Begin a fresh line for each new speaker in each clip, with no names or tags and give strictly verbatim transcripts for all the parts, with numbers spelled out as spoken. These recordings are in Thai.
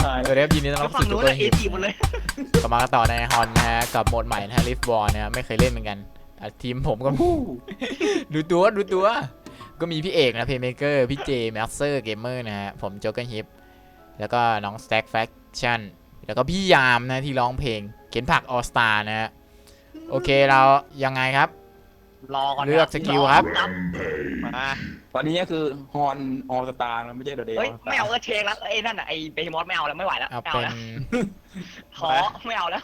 สวัสดีครับยินดีต้อนรับสู่จูเกอร์ฮิปกลับมาต่อในฮอนนะฮะกับโหมดใหม่นะฮะลิฟบอลนะฮะไม่เคยเล่นเหมือนกันทีมผมก็ดูตัวดูตัวก็มีพี่เอกนะเพย์เมเกอร์พี่เจแมสเซอร์เกมเมอร์นะฮะผมจูเกอร์ฮิปแล้วก็น้องสแต็กแฟคชั่นแล้วก็พี่ยามนะที่ร้องเพลงเข็นผักออสตานะฮะโอเคเรายังไงครับ
รอก่อน
เลือกสกิลครับ
มาตอนนี้ก็คือฮอนออสตาร์ไม่ใช่เดอะเดย์
ไม่เอาเออเชงแล้วไอ้นั่นอ่ะไอ้เบย์มอสไม่เอาแล้วไม่ไหวแล้ว
เอา
เอา
เป็น
แล้วขอไม่เอาแล้ว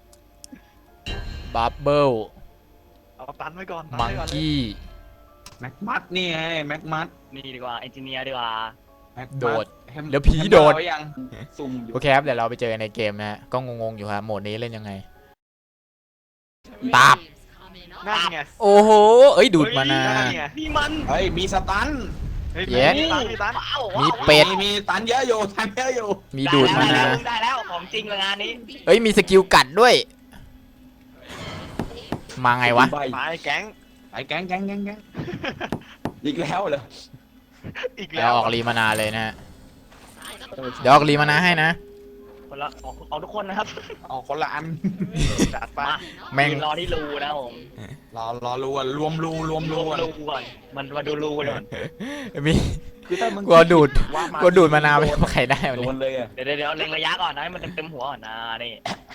บับเบิล
เอาตันไว้ก่อน
มังกี้
แม็กมัดนี่ไงแม็กมัด
นี่ดีกว่าเอนจิเนียร์ดีกว่า
โดดเดี๋ยวผีโดด
ซุ่มอยู่
โอเคครับเดี๋ยวเราไปเจอในเกมนะฮะก็งงๆอยู่ครับโหมดนี้เล่นยังไงตับ
นั่นไง
โอ้โหเอ้ยดูดมานา
นี่มัน
เฮ้ยมีสตัน
เย็ด
มีตัน
มีเป็ด
มีตันเยอะอยู่ตันเยอะอยู่
มีดูดมานา
ได้แล้วของจริงเลยงานนี้
เอ้ยมีสกิลกัดด้วยมาไงวะ
ไปแก๊ง
ไปแก๊งแก๊งแก๊งแก๊งอีกแล้วเหรอ
อีก
แล้วออกรีมานาเลยนะฮะเดี๋ยวออกรีมานาให้นะ
คนละเอาทุกคนนะครับ
เอาคนละอัน
จัดไป
แม่ง
รอที่รูนะผม
รอรอรูรวมรูรวมรู
ก่อนมันมาดูรูก่อน
มีกลัวดูดกลัวดูดมานาวไปใครได้
โดนเลย
เดี๋ยวเดี๋ยวเล็งระยะก่อนนะให้มันเต็มหัวก่อนนะนี่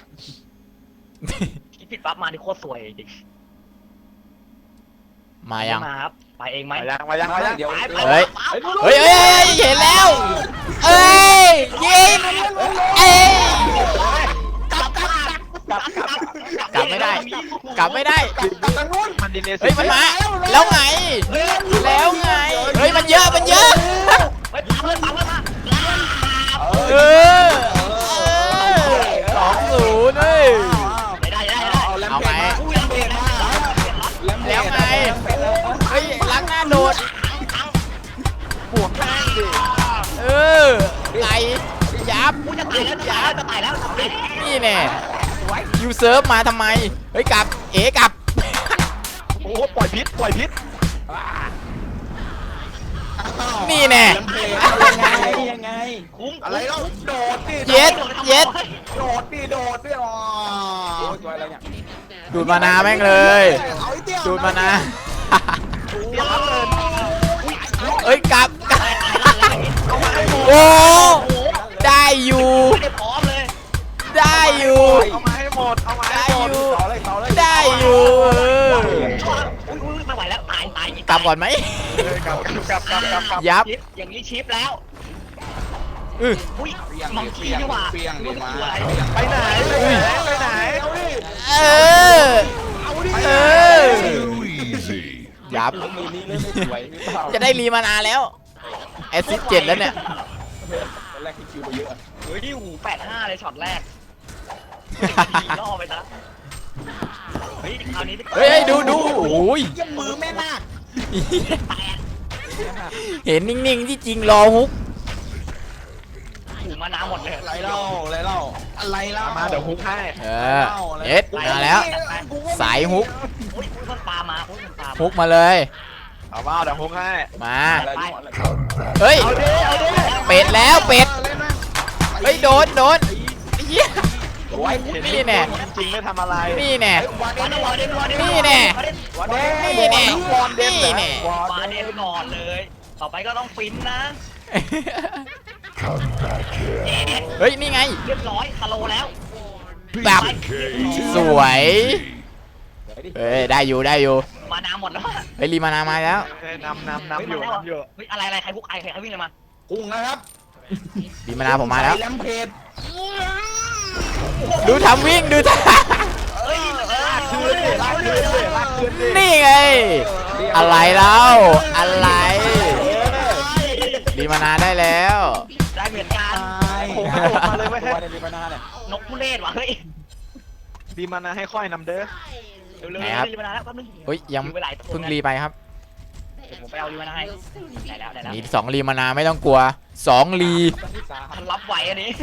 คิดผิดปั๊บมาที่โคตรสวยจริง
มายัง
มาครับไปเองไหม
มายังมายังมายัง
เดี๋ยว
เฮ้ยเฮ้ยเฮ้ยเห็นแล้วเอ้ยยิงเอ้ย
กลับกลับกลับกลับ
กลับไม่ได้กลับไม่ได้
มันดินเนส
เฮ้ยมันมาแล้วไงแล้วไงเฮ้ยมันเยอะมันเยอะเออสองศูนย์เฮ้ยเอาไหมแล้วไงเฮ้ยล้างหน้าโดด
บวกแม่งดิ
เออไหลยับ
จะตายแล้วยับจะตายแล้ว
นี่แน่ยูเซิร์ฟมาทำไมเฮ้ยกลับเอ๋กลับ
โอ้ปล่อยพิษปล่อยพิษ
นี่แน่
ยังไงยังไง
คุ้ม
อะไรแล้วโดดดิ
เย็ดเย็ด
โดดดิโดดดิอ๋อ
ดูดมานาแม่งเลยดูดมานาเอ้ยกลับโอ้ได้อยู่ได้อยู่
เอามาให้หมดเอามาให้หมด
ได้อยู่
ไม่ไหวแล้วตายตาย
กลับก่อนไหม
กลับกลับกลับกลับกลับ
ยับ
อย่างนี้ชิปแล้ว
อือ
อุ้ยมังคีนี่หว่า
ไปไหนไปไหน
เออเออยับจะได้รีมานาแล้วแอสซิสเจ็ดแล้วเนี่ย
แรกที่คิวไปเยอะ
เฮ้ยหูแปดห้าเลยช็อตแรกล่อไปซะเฮ้ยคราวนี้
เฮ้ยดูดูโอ้ย
ยังมือแม่นาค
เห็นนิ่งๆที่จริงรอฮุก
หูมาน้ำหมดเลย
อะไรเล่าอะไรเล่าอะไรเล่า
มาเดี๋ยวฮุกให้
เออเอ็ดมาแล้วสายฮุก
อุ้ยมันปลามา
ฮุกมาเลย
เอาว่าเดี๋ยวฮุกให้
มาเฮ้ยเป็ดแล้วเป็ดเฮ้ยโดนโดนเยี่ยนี่แน่
จริงไม่ทำอะไร
นี่แน่นี่แน่นี่แน่นี่แน่
วาเดนก่อนเลยต่อไปก็ต้องฟินนะ
เฮ้ยนี่ไง
เรียบร้อยคาโลแล้ว
แบบสวยเฮ้ยได้อยู่ได้อยู่
มาน้ำหมดแล้ว
เฮ้ยรีมานามาแล้ว
นำนำนำอยู่นำอยู่
เฮ้ยอะไรอะไรใครพวกไอใครใครวิ่งเลยมา
กุ้งนะครับ
รีมานาผมมาแล้ว
แลมเพจ
ดูทำวิ่งดูทำนี่ไงอะไรแล้วอะไรรีมานาได้แล้ว
ได้เหมือนกัน
มาเลยไม่ใช่
รีมานาเนี่ย
นกผู้เล่นวะเฮ้ย
รีมานาให้ค่อยนำเด้อ
ไหนครับเฮ้ยยังเพิ่งรีไปครับ
ผมไปเอารีมานาให้ได้แล้วได้แล้ว
มีสองรีมานาไม่ต้องกลัวสองรี
มันรับไหวอันนี้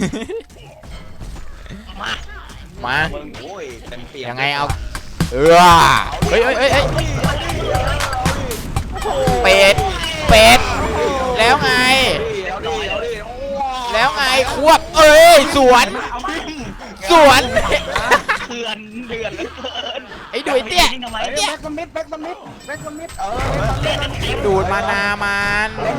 มา
มายังไงเอาเออเฮ้ยเฮ้ยเฮ้ยเป็ดเป็ดแล้วไงแล้วไงควบเอ้ยสวนสวน
เถื่อนเถื่อนเหลือเกิน
ไอ้ดุยเตี้ย
ทำไม
แบ็
เนี่ย
กสมิธแบ็กสมิธแบ็กสมิธเออ
ดูดมานามัน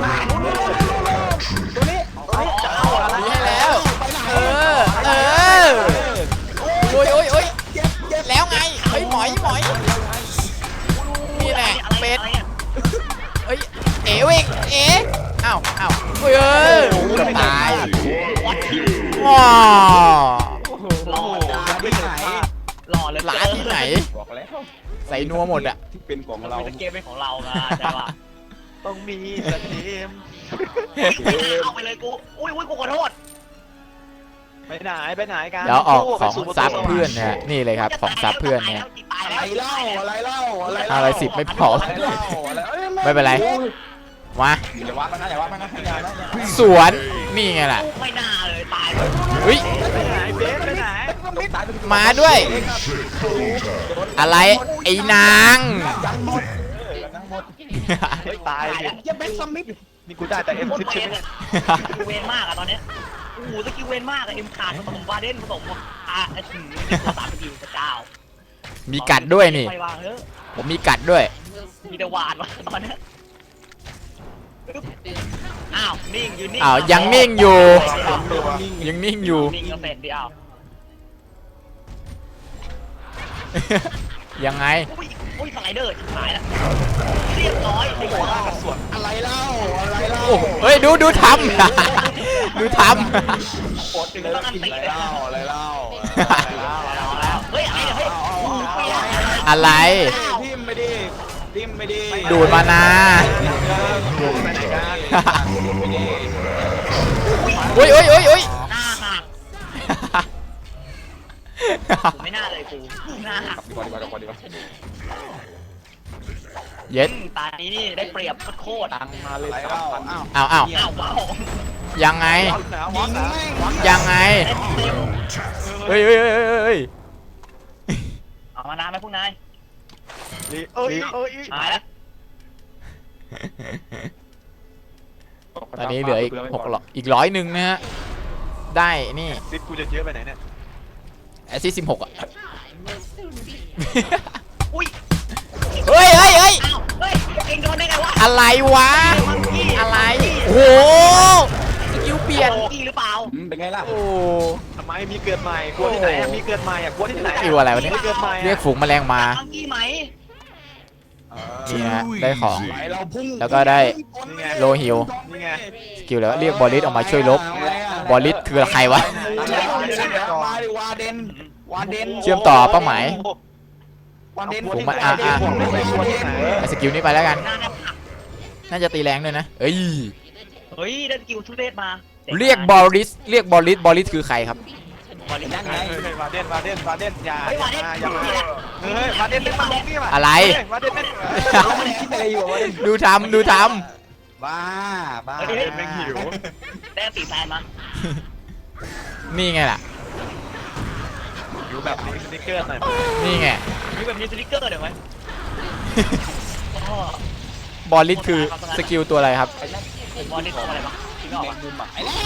ตัวนี้ตัวนี้จะเอาอะไร
ดีให้แล้ว เออ เออ โอ้ยโอ้ยโอ้ยแล้วไงเฮ้ยหมอยหมอยนี่แหละ
อะไร
เป็ด
อะไรอะ
เอ้ย เอ๋เวงเอ๋อ้าวอ้าวเฮ้ยเอ้ยเกือบตายว้า
หล่อ
ที่ไหน
หล่อเลย
หลานที่ไหน
บอกแล้ว
ใส่นัวหมดอะ
ที่เป็นของ
เรา
เรา
เกมเป็นของเราไงใช่ป่ะ
ต้องมีสทีม
เอาไปเลยกูอุ้ยอุ้ยกูขอโทษ
ไปไหนไปไหนกัน
แล้วออก
สู้
ข
ไป
อง
สู่ประตู
ซับ
สวรรค์
เพื่อนนะฮะนี่เลยครับของซับเพื่อนเนี่ย
ตาย
อะ
แล้
ไร
ว
เล่าอะไรเล่าอะไร
อะไรสิบไม่พอ
อะไรเล่าอะไรอ้ย
ไม่เป็นไร มา
อย่าว่ามันนะอย่าว่ามันนะอย่านะอย่า
สวนนี่ไงล่ะ
ไม่น่าเลยตายเลย
เฮ้ย
ไปไหนเบสไปไหน
มาด้วย อะไรไอ้นาง
ยังหมดยังหมด
เฮ้ยตายดิ
อย่าแบ็กสมิธ
นี่กูได้แต่เอ็ม
โคต
ซิป
รเว
ใช่ไหม
นอะสกิลเวนมากอะตอนเนี้ยโอ้โหสกิลเวนมากอะเอ็มขาดผสมบาเดนผสมอ่ะไอ้ถึงตัวสามสกิลพระเจ้า
มีกัดด้วยนี่
ไปวางเถอะ
ผมมีกัดด้วย
มีแต่หวานวะตอนเนี้ยอึ๊บอ้าวนิ่งอยู่นิ่ง
อ้าวยังนิ่งอยู่ ยังนิ่งอยู่
นิ่งก็เสร็จดิอ้าว
ยังไง
อุ้ยอุ้ยสไลเดอร์หายแล้วเรียบร้อยไอ้หัว
อะไรเล่าอะไรเล่า
โอ้เฮ้ยดูดูทำ ดูท
อดเลยอะไรเล่าอะไรเล่า
เอาแล้วเฮ้ยอะไรเนี่ยเฮ้ยโอ้โหเปรี้ยว
ำอะไร
ทิมไม่ดีทิมไม่ดี
ดูดมานา
ไปไหนกัน
โอ้ยโอ้ยโอ้ยโอ้ย
หน้าหักกูไม่น่าเลยกูหน้าหัก
ดีกว่าดีกว่าดีกว่าดีกว่า
เย็ด
อืมตานี้นี่ได้เปรียบโคตรๆ
ตังมาเลยเล่าอ้าว
อ้าวอ้าว
อ้าวว้าว
ยังไง
วอสนะวอสนะ
ยังไง
เต็มเต็ม
เฮ้ยเฮ้ยเฮ้ยเฮ้ยเฮ้ย
เอามานานไหมพวกนาย
ลีเอ้ยเอ้ย
หายแล้ว
ตอนนี้เหลืออีกหกร้อยอีกร้อยหนึ่งนะฮะ ได้นี่
ซิปกูจะเยอะไปไหนเนี่ย
แอสซิสสิบหกอ่ะ
อุ้ย
เฮ้ยเฮ้ยเฮ้ย
อ้าวเฮ้ยเองโดนได้ไงวะ
อะไรวะ อะไร โอ้โหสกิลเปลี่ยน
โอ้กี้หรือเปล่า
เป็นไงล่ะ
โอ้
ทำไมมีเกิดใหม่กลัวที่ไหนอะมีเกิดใหม่อะกลัวที่ไหน
อิวอะไรวะเนี่ย
มีเกิดใหม่อะ
เรียกฝูงแมลงมา
มังกี้ไหม
นี่นะได้ของ
เราพุ่ง
แล้วก็ได้โลฮิว
นี่ไง
สกิลแล้วเรียกบอลลิสออกมาช่วยลบ บอลลิสคือใครวะ
มาดิวาเดนวาเดน
เชื่อมต่อเป้าหมาย
วาเดน
ผมมาอ่ะอ่ะ ไอ้สกิลนี้ไปแล้วกัน
หน้าแนบหัก
น่าจะตีแรงด้วยนะ เอ้ย
เฮ้ยได้สกิลทุเรศมา
เรียกบอลลิส เรียกบอลลิส บอลลิสคือใครครับ
บอลลิส
นั่นไง
เฮ้ยวาเดนวาเดนวาเดนอย่า
เฮ้ยวาเดน
อย่ามาเฮ้ยวาเดนเล่นมาลงนี่มา
อะไร
เฮ้ยวาเดนเล่น
เราไม่ได้คิดอะไรอยู่วาเดน
ดูทำดูท
บ้าบ้า
เฮ้ย
เฮ้ยแม่งหิว
ได้ตีแฟนมา
ำนี่ไงล่ะ
หิวแบบนี้สติ๊กเกอร์หน่อย
นี่ไง
มีแบบมีสติ๊กเกอร์เดี๋ยวไหมโอ้โห
บอลลิสคือสกิลตัวอะไรครับ
ไอ้นั่น
บอลลิสทำอะไรบ้างจริงเหรอ
แมงมุมอ่ะไอ้แล้ว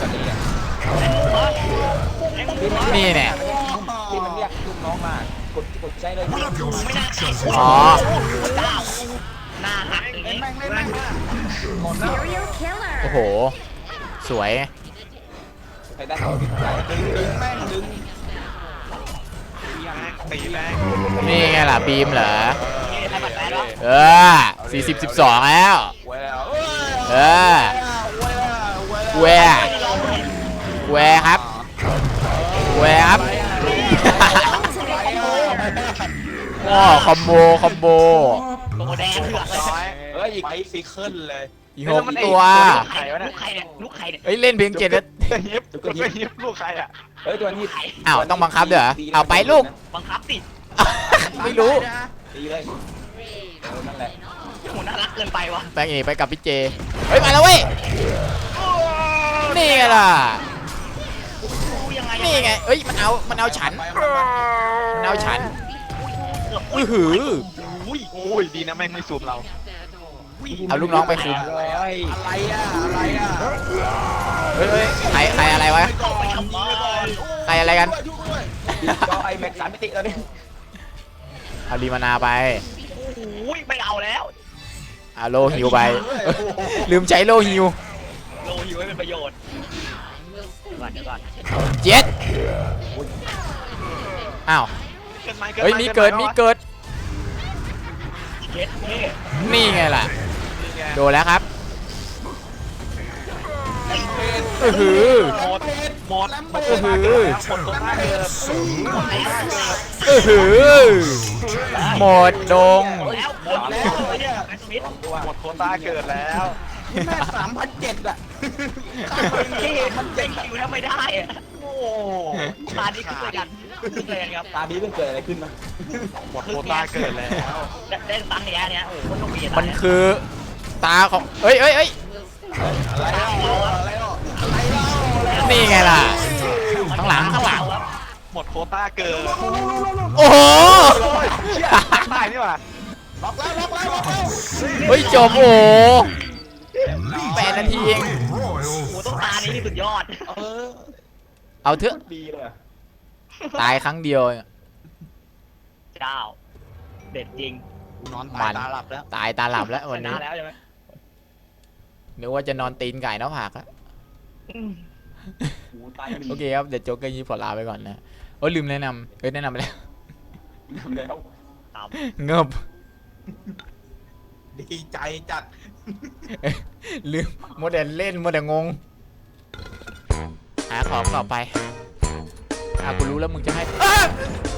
ไอ้มึงวะ
นี่แน่
ที่มันเรียกลูกน้องมากดกดใจเลย
ไม่น่าใช่
อ๋อ
เจ้าหน้าหักอย่าง
เล่น
นี้
แม่งเล่นแม่งหมดแล้ว
Serial killer.
โอ้โห สวย
ไปได้ต่อที่ไหนดึงดึงแม่งดึง
ตีแรง
นี่ไงล่ะบีมเหรอ
นี่ใครบัตรแฟนวะ
เออสี่สิบสิบสองแล้ว
เว้ยแล้ว
เออ
เว้ยแล้ว
แวร์แวร์ครับ แวร์ครับว้าคอมโบ คอมโบ
ตัวแดงเถือกเลย
ร้อย
เอ้ยอีกไอ้ฟิกเคิลเลย
อีกหกตัว
ใครวะเนี่ยลูกใครเนี่ยลูกใครเนี่ย
เฮ้ย เล่นเพลงเจ็ดแล้ว
ก็ยิบก็ยิบลูกใครอะ
เอ้ยตัวนี้
อ้าว ต้องบังคับด้วยเหรอเอาไปลูก
บังคับติด
ไม่รู้
ตีเลยเออนั่นแหละ
โหน่ารักเกินไปวะ
แบงค์เอไปกับพี่เจ เฮ้ย มาแล้วเว้ย นี่ไงล่ะ
ยังไง
นี่ไง เอ้ย มันเอา มันเอาฉัน มันเอาฉัน
เกือบ
อื้อหือ
อุ้ยโอ้ยดีนะแม่งไม่ซูมเรา
เอาลูกน้องไปคุม
อะไรอ่ะอะไรอ่ะ
เฮ้ยเฮ้ยใครใครอะไรวะ
เข้าไปทำไม
ใครอะไรกัน
ก็ไอแม็กสามมิติแล้วนี่
เอารีมานาไป
โอ้ยไม่เอาแล้ว
เอาโลฮิวไปเอ้ยลืมใช้โลฮิว
โลหิวให้เป็นประโยชน์ก่อนเดี๋ยวก่อน
เจ็ดอ้าว
เกิดใหม่
เฮ้ยมีเกิดมีเกิด
เจ็ดเท่
นี่ไงล่ะ
นี่ไง
โดนแล้วครับเออหือ
หมดหมดหมด
โอ้โห
หมดตัวท่าเกิด
เออหือหมดดง
แล้วหมดแล้วเนี่ยแมสมิธ
หมดโควต้าเกิดแล้ว
แม่สามพันเจ็ดอ่ะ
ที่มันเจ็งคิวถ้าไม่ได้อะ
โอ้
ตาดีขึ้นเลยกันขึ้นเลยกันครับ
ตาดีมันเกิดอะไรขึ้นมา
หมดโควต้าเกิดแล้ว
เล่นตังค์เนี้ยเนี้ยโอ้โหต้องมี
มันคือตาของเอ้ยเอ้ยเอ้ย
อะไรอ่ะอะไรอ่ะอะไรอ่ะ
นี่ไงล่ะ ข้างหลังข้างหลัง
หมดโควต้าเกิด
โอ้โห
โอ้ยเชี่ยตายนี่หว่า
ล็อกแล้วล็อกแล้วล็อกแล้ว
เฮ้ยจบโอ้โหแปดนาทีเอง
โอ้โหต้องตานี้ที่สุดยอด
เออ
เอาเถอะ
ดีเลย
ตายครั้งเดียว
เจ้าเด็ดจริง
นอน
มั
ตาย
น
ตาหลับแล้ว
ตายตาหลับแล้ว
ช
วัน
นะ
นี้
แล้วใช่ไหม
นึกว่าจะนอนตีนไก่หน้าผากแล้ว
หูตาย
โอเคครับ เดี๋ยวโจ๊กเกอร์ยีพอลาไปก่อนนะโอ้ยลืมแนะนำเอ้ยแนะนำไปแล้ว
แล้ว
ตาม
เงิบ
ดีใจจัด
ลืมโมเดลเล่นโมเดลงงหาของต่อไปอ่ะกูรู้แล้วมึงจะให้อ้า